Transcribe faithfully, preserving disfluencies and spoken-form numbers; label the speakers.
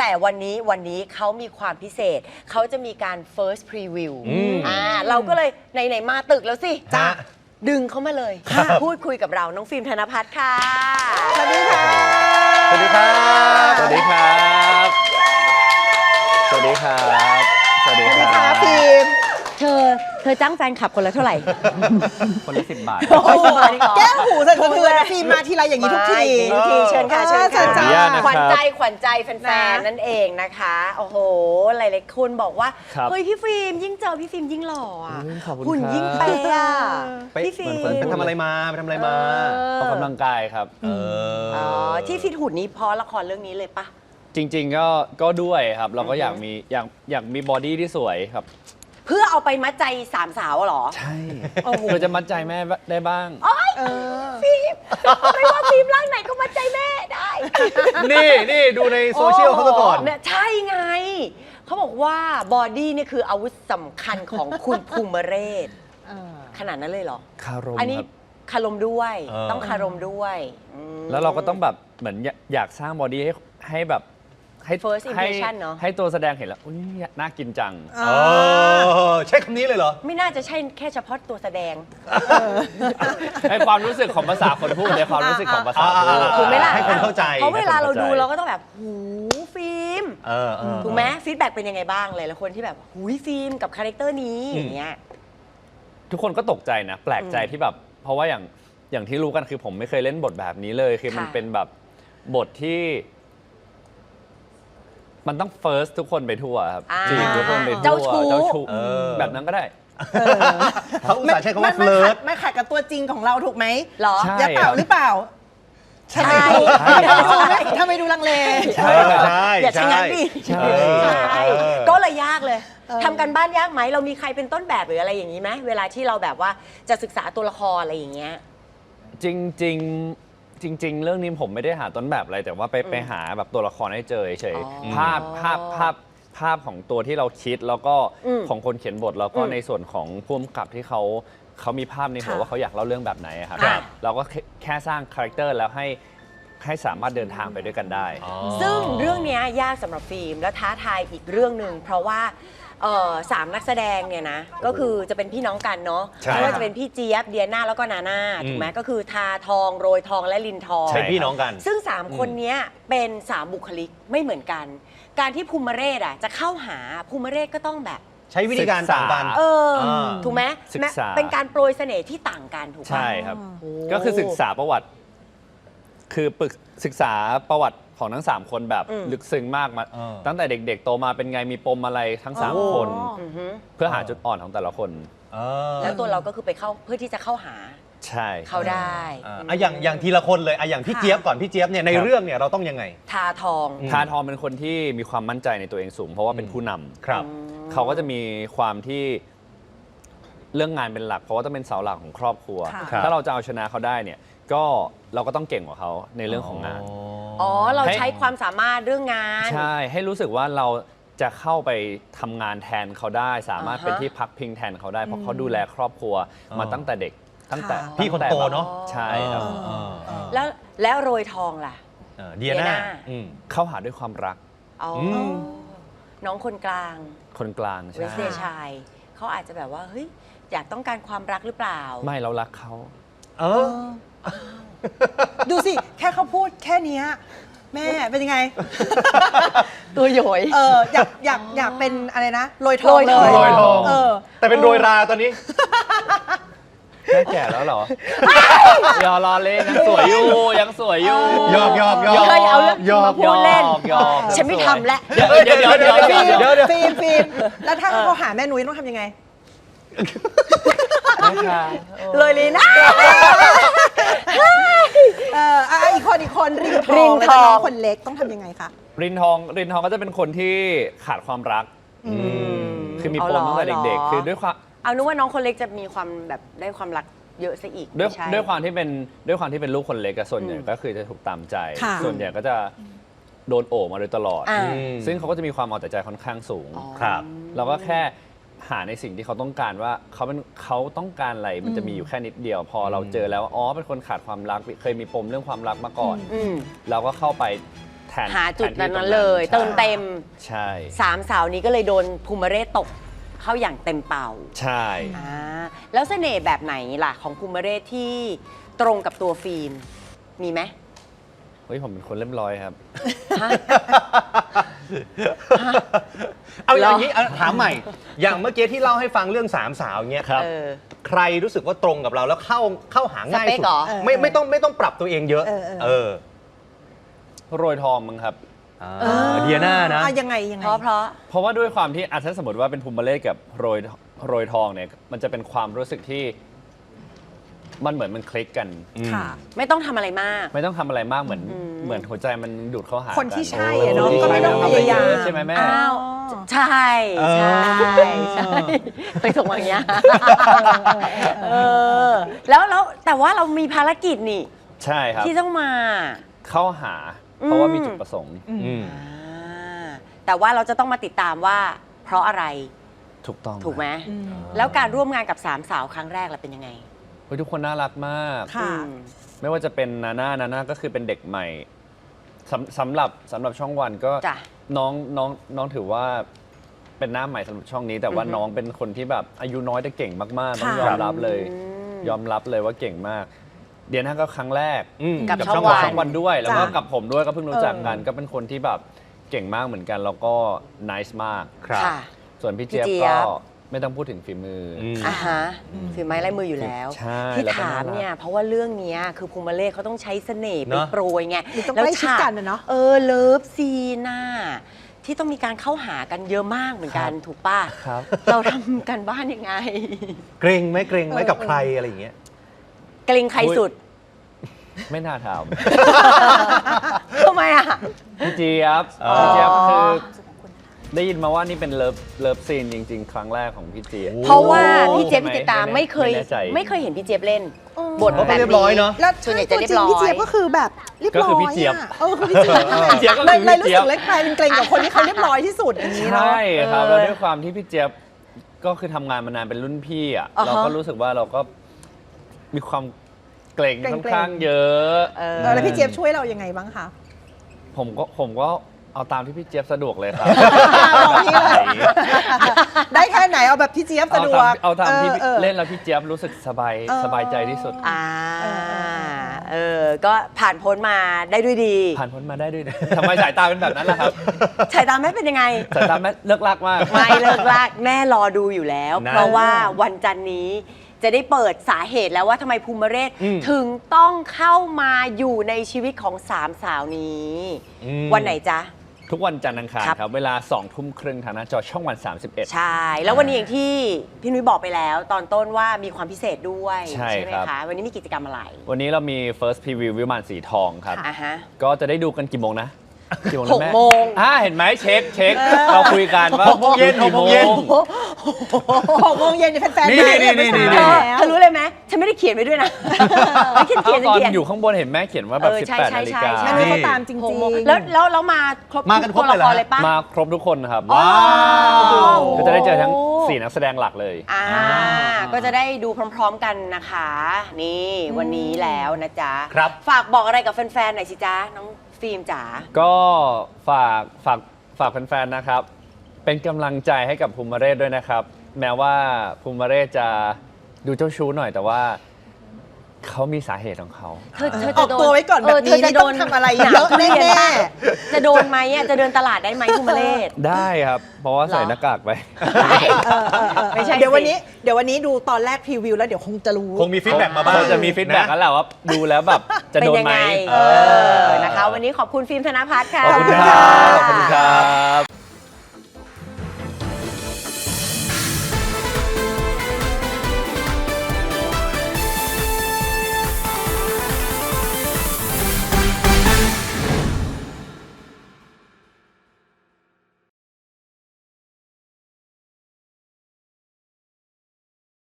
Speaker 1: แต่วันนี้วันนี้เขามีความพิเศษเขาจะมีการ first preview อ่าเราก็เลยไหนๆมาตึกแล้วสิจ้าดึงเขามาเลยพูดคุยกับเราน้องฟิล์มธนภัทรค่ะสวัสดีค่ะ
Speaker 2: สวัสดีครับ
Speaker 3: สวัสดีครับสวัสดีครับสวัสดีครับ
Speaker 1: ฟิล์มเธอเธอจ้างแฟนคลับคนละเท่าไหร่
Speaker 3: คนละสิบบาท
Speaker 1: แก้หูสั่นสะเทือน
Speaker 4: ฟิล์มมาทีไรอย่างนี้ทุกที
Speaker 1: ทุกทีเชิญค่ะเชิญค่ะขวัญใจขวัญใจแฟนๆนั่นเองนะคะโอ้โหหลายๆคนบอกว่าเฮ้ยพี่ฟิล์มยิ่งเจอพี่ฟิล์มยิ่งหล่ออ่ะหุ่นยิ่งเป๊ะอ่ะพี่ฟิล์ม
Speaker 2: ไปทำอะไรมาไปทำอะไรมา
Speaker 3: ออกกำลังกายครับ
Speaker 1: อ๋อที่ฟิตหุ่นนี้เพราะละครเรื่องนี้เลยปะ
Speaker 3: จริงๆก็ก็ด้วยครับเราก็อยากมีอยากอยากมีบอดี้ที่สวยครับ
Speaker 1: เพื่อเอาไปมัดใจสามสาวเหรอ
Speaker 3: ใช่เพื่อจะมัดใจแม่ได้บ้าง
Speaker 1: ฟิล์มไม่ว่าฟิล์มร่างไหนก็มัดใจแม่ได้
Speaker 2: นี่นี่ดูในโซเชียลเขาก่อน
Speaker 1: เนี่ยใช่ไงเขาบอกว่าบอดี้นี่คืออาวุธสำคัญของคุณภูมิเรศขนาดนั้นเลยเหรอ
Speaker 3: คารม
Speaker 1: อันนี้คารมด้วยต้องคารมด้วย
Speaker 3: แล้วเราก็ต้องแบบเหมือนอยากสร้างบอดี้ให้ให้แบบให้
Speaker 1: first impression เนาะ
Speaker 3: ให้ตัวแสดงเห็นแล้วอุ้ยน่ากินจัง
Speaker 2: ใช่คำนี้เลยเหรอ
Speaker 1: ไม่น่าจะใช่แค่เฉพาะตัวแสดง
Speaker 3: ให้ความรู้สึกของภาษาคนพูดในความรู้สึกของภาษาพูด
Speaker 1: ถูกไหมล่ะ
Speaker 2: ให้คนเข้าใจ
Speaker 1: เพราะเวลาเราดูเราก็ต้องแบบหูฟิล์มถูกไหมฟีดแบ็กเป็นยังไงบ้างเลยแล้วคนที่แบบหูฟิล์มกับคาแรคเตอร์นี้อย่างเงี้ย
Speaker 3: ทุกคนก็ตกใจนะแปลกใจที่แบบเพราะว่าอย่างอย่างที่รู้กันคือผมไม่เคยเล่นบทแบบนี้เลยคือมันเป็นแบบบทที่มันต้อง first ทุกคนไปทั่วครับจีบทุกคนไปทั่ว
Speaker 1: เจ้าชู้
Speaker 3: เจ้าชู้แบบนั้นก็ได้
Speaker 2: เขาอุตส่าห์ใช้คำว่าเฟิร์ส
Speaker 4: ไม่ขัดกับตัวจริงของเราถูกไหม
Speaker 1: หรอ
Speaker 4: อย่าเปล่าหรือเปล่า
Speaker 1: ใช่
Speaker 4: ทำไมดูลังเล
Speaker 2: ใช่ใช่
Speaker 1: อย่าชะงักดิใช่ก็เลยยากเลยทำกันบ้านยากไหมเรามีใครเป็นต้นแบบหรืออะไรอย่างนี้ไหมเวลาที่เราแบบว่าจะศึกษาตัวละครอะไรอย่างเงี้ย
Speaker 3: จริงจริงจริงๆเรื่องนี้ผมไม่ได้หาต้นแบบอะไรแต่ว่าไปไปหาแบบตัวละครให้เจอเฉยภาพภาพภาพภาพของตัวที่เราคิดแล้วก็ของคนเขียนบทแล้วก็ในส่วนของผู้กำกับที่เขาเขามีภาพในหัวว่าเขาอยากเล่าเรื่องแบบไหนครับเราก็แค่สร้างคาแรคเตอร์แล้วให้ให้สามารถเดินทางไปด้วยกันได้
Speaker 1: ซึ่งเรื่องนี้ยากสำหรับฟิล์มและท้าทายอีกเรื่องหนึ่งเพราะว่าสามนักแสดงเนี่ยนะก็คือจะเป็นพี่น้องกันเนาะไม่ว่าจะเป็นพี่เจี๊ยบเดียน่าแล้วก็นาน่าถูกไหมก็คือทาทองโรยทองและลินทอง
Speaker 2: ใช่พี่น้องกัน
Speaker 1: ซึ่งสามคนนี้เป็นสามบุคลิกไม่เหมือนกันการที่ภูมิเรศอ่ะจะเข้าหาภูมิเรศก็ต้องแบบ
Speaker 2: ใช้วิธีการต่างกัน
Speaker 1: เออถูกไหมเป็นการโปรยเสน่ห์ที่ต่างกันถูกไหม
Speaker 3: ใช่ครับก็คือศึกษาประวัติคือศึกษาประวัติของทั้งสามคนแบบลึกซึ้งมากมาตั้งแต่เด็กๆโตมาเป็นไงมีปมอะไรทั้งสามคนเพื่อหาจุดอ่อนของแต่ละคน
Speaker 1: แล้วตัวเราก็คือไปเข้าเพื่อที่จะเข้าหา
Speaker 3: ใช่
Speaker 1: เขาได้
Speaker 2: อ่ะอย่างอย่างทีละคนเลยอ่ะอย่างพี่เจี๊ยบก่อนพี่เจี๊ยบเนี่ยในเรื่องเนี่ยเราต้องยังไง
Speaker 1: ทาทอง
Speaker 3: ทาทองเป็นคนที่มีความมั่นใจในตัวเองสูงเพราะว่าเป็นผู้นำครับเขาก็จะมีความที่เรื่องงานเป็นหลักเพราะว่าต้องเป็นเสาหลักของครอบครัวถ้าเราจะเอาชนะเขาได้เนี่ยก็เราก็ต้องเก่งกว่าเขาในเรื่องของงาน
Speaker 1: อ๋อเราใช้ความสามารถเรื่องงาน
Speaker 3: ใช่ให้รู้สึกว่าเราจะเข้าไปทำงานแทนเขาได้สามารถเป็นที่พักพิงแทนเขาได้เพราะเขาดูแลครอบครัวมาตั้งแต่เด็กตั้งแต่
Speaker 2: พี่คนโตเนาะ
Speaker 3: ใช่ครับ
Speaker 1: แล้วแล้วโรยทองล่ะ
Speaker 2: เดียน่า
Speaker 3: เข้าหาด้วยความรัก
Speaker 1: อ๋อน้องคนกลาง
Speaker 3: คนกลาง
Speaker 1: เวสเดชายเขาอาจจะแบบว่าเฮ้ยอยากต้องการความรักหรือเปล่า
Speaker 3: ไม่เรารักเขา
Speaker 2: เออ
Speaker 4: ดูสิแค่เขาพูดแค่นี้แม่เป็นยังไง
Speaker 1: ตัวโยย
Speaker 4: เอออยากอยากอยากเป็นอะไรนะโรยทองเลย
Speaker 2: โรยทองเออแต่เป็นโรยราตอนนี้
Speaker 3: แม่แก่แล้วเหรอยอรอเล่นยังสวยอยู่ยังสวยอยู่
Speaker 2: ยอกยอกยอก
Speaker 1: เคยเอาเรื่องมาพูดเล่นฉันไม่ทำแล้ว
Speaker 3: เดี๋ยวเดี๋ยวเดี๋ยวเดี๋ยวเดี๋ยว
Speaker 4: ฟิล์มฟิล์มแล้วถ้าเขาหาแม่นุ้ยต้องทำยังไง
Speaker 1: เลยลีน่า
Speaker 4: เอออีกคนอีกคนรินทองแล้วน้องคนเล็กต้องทำยังไงคะ
Speaker 3: รินทองรินทองก็จะเป็นคนที่ขาดความรักคือมีปมตั้งแต่เด็กๆคือด้วยความ
Speaker 1: เอานึกว่าน้องคนเล็กจะมีความแบบได้ความรักเยอะซะอีก
Speaker 3: ด้วยด้วยความที่เป็นด้วยความที่เป็นลูกคนเล็กส่วนใหญ่ก็คือจะถูกตามใจส่วนใหญ่ก็จะโดนโอบมาโดยตลอดซึ่งเขาก็จะมีความเอาแต่ใจค่อนข้างสูง
Speaker 2: ครับ
Speaker 3: เราก็แค่หาในสิ่งที่เขาต้องการว่าเขาเป็นเขาต้องการอะไรมันจะมีอยู่แค่นิดเดียวพอเราเจอแล้วอ๋อเป็นคนขาดความรักเคยมีปมเรื่องความรักมาก่อนเราก็เข้าไปแทน
Speaker 1: หาจุด
Speaker 3: แทที่
Speaker 1: นั้น
Speaker 3: ตรง
Speaker 1: เลย
Speaker 3: ใช่
Speaker 1: เติมเต็ม
Speaker 3: ใช่
Speaker 1: สามสาวนี้ก็เลยโดนภูมิเรศตกเข้าอย่างเต็มเป่า
Speaker 3: ใช่
Speaker 1: อ่าแล้วเสน่ห์แบบไหนล่ะของภูมิเรศที่ตรงกับตัวฟิล์มมีไหม
Speaker 3: เฮ้ยผมเป็นคนเรียบร้อยครับ
Speaker 1: ฮะ
Speaker 2: เอาอย่าง
Speaker 1: เหรอ
Speaker 2: นี้เอาถามใหม่ อย่างเมื่อกี้ที่เล่าให้ฟังเรื่องสามสาวเงี้ย
Speaker 3: ครับ
Speaker 1: เออ
Speaker 2: ใครรู้สึกว่าตรงกับเราแล้วเข้าเข้าหาง่าย
Speaker 1: สเปค
Speaker 2: สุด
Speaker 1: เหรอ
Speaker 2: ไม่ไม่ต้องไม่ต้องปรับตัวเองเยอะ
Speaker 4: เออเออ
Speaker 2: เออ
Speaker 3: โรยทองมั้งครับ
Speaker 2: อ่าเดียน่านะ
Speaker 4: อ่ยังไงยังไง
Speaker 1: เพราะเพราะ
Speaker 3: เพราะว่าด้วยความที่อ่ะถ้าสมมติว่าเป็นภูมิเล่กับโรยโรยทองเนี่ยมันจะเป็นความรู้สึกที่มันเหมือนมันคลิกกัน
Speaker 4: ค่ะ
Speaker 1: ไม่ต้องทำอะไรมาก
Speaker 3: ไม่ต้องทำอะไรมากเหมือน
Speaker 1: อืม
Speaker 3: เหมือนหัวใจมันดูดเข้าหา
Speaker 4: คนที่
Speaker 3: กั
Speaker 4: ใช่อะเนาะ
Speaker 3: ค
Speaker 4: ก็ไม่ต้องพยายาม
Speaker 3: ใช่ไหมแม่
Speaker 1: อ้าวใช่ใช่ใช่ไปส่งมาอย่างเงี้ยเออแล้วแล้วแต่ว่าเรามีภารกิจนี่
Speaker 3: ใช่ครับ
Speaker 1: ที่ต้องมา
Speaker 3: เข้าหา เพราะว่ามีจุดประสงค์
Speaker 2: อืม
Speaker 1: อ่าแต่ว่าเราจะต้องมาติดตามว่า เพราะอะไร
Speaker 3: ถูกต้อง
Speaker 1: ถูกไหม
Speaker 4: อืม
Speaker 1: แล้วการร่วมงานกับสามสาวครั้งแรกล่ะเป็นยังไง
Speaker 3: เฮ้ยทุกคนน่ารักมาก
Speaker 4: ค่ะ
Speaker 1: อืม
Speaker 3: ไม่ว่าจะเป็นนาน่านาน่าก็คือเป็นเด็กใหม่สำสำหรับสำหรับช่องวันก็
Speaker 1: จ้ะ
Speaker 3: น้องน้องน้องถือว่าเป็นหน้าใหม่สำหรับช่องนี้ แต่ว่า
Speaker 1: อือฮึ
Speaker 3: น้องเป็นคนที่แบบอายุน้อยแต่เก่งมากๆต้อง
Speaker 4: ค่ะ
Speaker 3: ยอมรับเลย
Speaker 1: อืม
Speaker 3: ยอมรับเลยว่าเก่งมาก เดียน่าก็ครั้งแรก
Speaker 2: อืม
Speaker 1: กับ
Speaker 3: กับ
Speaker 1: ช่
Speaker 3: ช่
Speaker 1: อ
Speaker 3: อง ง
Speaker 1: วัน
Speaker 3: ช่องวันด้วย แล้วก็
Speaker 4: จ้ะ
Speaker 3: กับผมด้วยก็เพิ่งรู้จักกัน
Speaker 4: เออ
Speaker 3: ก็เป็นคนที่แบบเก่งมากเหมือนกัน แล้วก็ nice มาก
Speaker 2: ครับ
Speaker 1: ค่ะ
Speaker 3: ส่วนพี่เจี๊ยบ
Speaker 1: พี่เจี๊ย
Speaker 3: ก็
Speaker 1: บ
Speaker 3: ไม่ต้องพูดถึงฝีมืออ
Speaker 2: ม
Speaker 1: อ่าฮะฝีไม้ลายมืออยู่แล้ว
Speaker 3: ใช่
Speaker 1: ที่
Speaker 3: แล้วก็
Speaker 1: ถาม
Speaker 3: น่ารัก
Speaker 1: เนี่ยเพราะว่าเรื่องเนี้ยคือภูมิเล่เขาต้องใช้เสน่ห์ไป
Speaker 2: เนอะ
Speaker 1: โปรยไง
Speaker 4: มันต้อง
Speaker 1: แล้ว
Speaker 4: ใกล้ชิด
Speaker 1: ฉา
Speaker 4: กันนะเนาะ
Speaker 1: เออเลิฟซีน่าที่ต้องมีการเข้าหากันเยอะมากเหมือนกันถูกป่ะ
Speaker 3: ครับ
Speaker 1: เราทำกันบ้านยังไง
Speaker 2: เกรงไหมเกรงไหม
Speaker 4: เออ
Speaker 2: กับใครอะไรอย่างเงี้ย
Speaker 1: เกรงใครสุด
Speaker 3: ไม่น่าถาม
Speaker 1: ทำไมอ่ะ
Speaker 3: พี่เจี๊ยบ
Speaker 2: อ๋อ
Speaker 3: พี่เจี๊ยบคือได้ยินมาว่านี่เป็นเลิฟเลิฟซีนจริง ๆ ครั้งแรกของพี่เจี๊ยบ
Speaker 1: เพราะว่าพี่เจี๊ยบพี่ติดตาม
Speaker 3: ไม่
Speaker 1: ไม่เคย
Speaker 3: ไม่แน่ใจ
Speaker 1: ไม่เคยเห็นพี่เจี๊ยบเล่น
Speaker 4: เออ
Speaker 1: บท
Speaker 2: เขา
Speaker 1: แบบ
Speaker 2: เรียบร้อยเนอะ
Speaker 4: แล้ว
Speaker 1: ส่วนใหญ่
Speaker 4: ตั
Speaker 1: จะ
Speaker 4: ว
Speaker 1: เรีย
Speaker 4: จริ
Speaker 1: บ
Speaker 4: ง
Speaker 1: ร้อย
Speaker 4: พี่เจี๊ยบก็คือแบบเรียบร้อย
Speaker 3: ก็คือพี่เจี๊ยบ
Speaker 4: ะเออคือพี่เจี๊ยบ
Speaker 3: พี่เจี๊ยบก็
Speaker 4: เล
Speaker 3: คื
Speaker 4: ย
Speaker 3: อ
Speaker 4: เลย
Speaker 3: พี่
Speaker 4: รู้
Speaker 3: เจี๊ย
Speaker 4: สึ
Speaker 3: บ
Speaker 4: กเล็กกลายเป็นเกรงกับคนที่เขาเรียบร้อยที่สุดอย่างนี้เนาะ
Speaker 3: ใช่ครับ
Speaker 1: เออ
Speaker 3: แล้วด้วยความที่พี่เจี๊ยบก็คือทำงานมานานเป็นรุ่นพี่อ่ะ
Speaker 1: อ่าฮะ
Speaker 3: เราก็รู้สึกว่าเราก็มีความเกรง
Speaker 4: เกรงๆ
Speaker 3: ค่อนข้างเยอะ
Speaker 1: เออ
Speaker 4: เออแล้วพี่เจี๊ยบช่วยเรายังไงบ้างคะ
Speaker 3: ผมก็ผมก็เอาตามที่พี่เจี๊ยบสะดวกเลยครับ
Speaker 4: บอกพี่เลย ได้แค่ไหนเอาแบบพี่เจี๊ยบสะ
Speaker 3: เอา
Speaker 4: ดว
Speaker 3: ตาก มเอาตามที่
Speaker 4: ออออ
Speaker 3: เล่นแล้วพี่เจี๊ยบรู้สึกสบาย
Speaker 4: เออ
Speaker 3: สบายใจที่สุด
Speaker 1: อ่า
Speaker 4: เออเออ
Speaker 1: เออ ก็ผ่านพ้นมาได้ด้วยดี
Speaker 3: ผ่านพ้นมาได้ด้วยนะ ทำไมสายตาเป็นแบบนั้นล่ะครับ
Speaker 1: สายตาแม่เป็นยังไง
Speaker 3: สายตาแม่เลิกลากมาก
Speaker 1: ไม่เลิกลากแม่รอดูอยู่แล้ว
Speaker 2: นะ
Speaker 1: เพราะว่าวันจันนี้จะได้เปิดสาเหตุแล้วว่าทำไมภูมิเรศ
Speaker 2: อืม
Speaker 1: ถึงต้องเข้ามาอยู่ในชีวิตของสามสาวนี้
Speaker 2: อืม
Speaker 1: วันไหนจ๊ะ
Speaker 3: ทุกวันจันทร์อังคาร
Speaker 1: ครับ
Speaker 3: ครับ เวลาสองทุ่มครึ่งทางหน้าจอช่องวัน สามสิบเอ็ด
Speaker 1: ใช่ แล้ววันนี้อย่างที่พี่นุ้ยบอกไปแล้ว ตอนต้นว่ามีความพิเศษด้วย
Speaker 3: ใช่
Speaker 1: ไหม
Speaker 3: ครับ
Speaker 1: คะ วันนี้มีกิจกรรมอะไร
Speaker 3: วันนี้เรามี first preview วิมานสีทองครับ
Speaker 1: อ่ะฮะ
Speaker 3: ก็จะได้ดูกันกี่โมงนะ กี่โมงนะ
Speaker 1: หก
Speaker 3: แม่
Speaker 1: โมง
Speaker 3: อ่าเห็นไหมเช็คเช็คเราคุยกันว่า
Speaker 2: หกโมงเย็น
Speaker 3: กี่
Speaker 2: หกโมงเย็น
Speaker 4: หกโมงเย็นเนี่ยแฟนๆ
Speaker 2: นี่
Speaker 4: ได้
Speaker 2: นี่นี่
Speaker 4: ไป
Speaker 2: นี่
Speaker 4: สาย
Speaker 1: เธอ
Speaker 4: แล้ว
Speaker 1: เธอรู้เลยไหมฉันไม่ได้เขียนไว้ด้วยนะไม่เขียนเขียน
Speaker 3: ตอน
Speaker 1: เขียน
Speaker 3: อยู่ข้างบนเห็นแม่เขียนว่าแบบ
Speaker 1: เออใช่
Speaker 3: สิบแปด
Speaker 1: ใช่
Speaker 3: นาฬิกา
Speaker 1: ใช่
Speaker 4: แม่
Speaker 1: ใช่
Speaker 4: นุ้ยเขาตามจริง
Speaker 1: หกโมง
Speaker 4: ๆ
Speaker 1: แล้วแล้วเรามาครบ
Speaker 2: มากันครบ
Speaker 1: ตัวละคร
Speaker 2: เลยเหรอ
Speaker 1: เลยปะ
Speaker 3: มาครบทุกคนครับ
Speaker 2: ว้าว
Speaker 3: ก็จะได้เจอทั้งสี่นักแสดงหลักเลย
Speaker 1: อ่าก็จะได้ดูพร้อมๆกันนะคะ นี่วันนี้แล้วนะจ๊ะ
Speaker 2: ครับ
Speaker 1: ฝากบอกอะไรกับแฟนๆหน่อยสิจ๊ะน้องฟิล์มจ๋า
Speaker 3: ก็ฝากฝากฝากแฟนๆนะครับ เป็นกำลังใจให้กับภูมิเรศด้วยนะครับ แม้ว่าภูมิเรศจะดูเจ้าชู้หน่อยแต่ว่าเขามีสาเหตุของเขา
Speaker 1: เธอเธอ
Speaker 4: ออกตัวไว้ก่อนแบบนี้
Speaker 1: เธอจะ
Speaker 4: นี่ต้องทำอะไรเยอะแน่ๆ
Speaker 1: จะโดนไหมอ่ะจะเดินตลาดได้ไหมภูมิเรศ
Speaker 3: ได้ครับ เพราะว่าใส่
Speaker 1: เหรอ
Speaker 3: หน้ากากไป
Speaker 4: เออเออเออ
Speaker 1: ไม่ใช่สิ
Speaker 4: เดี๋ยววันนี้เดี๋ยววันนี้ดูตอนแรกพรีวิวแล้วเดี๋ยวคงจะรู้
Speaker 2: คงมีฟีดแบ็กมาบ้าง
Speaker 3: เจะมีฟีดแบ็กกันแหละว่าดูแล้วแบบจะ
Speaker 1: เป็น
Speaker 3: โดน
Speaker 1: ยัง
Speaker 3: ไหม
Speaker 1: ไงเออนะคะ วันนี้ขอบคุณฟิล์มธนภัทรค่ะ
Speaker 3: ขอบคุณครับขอบคุณครับ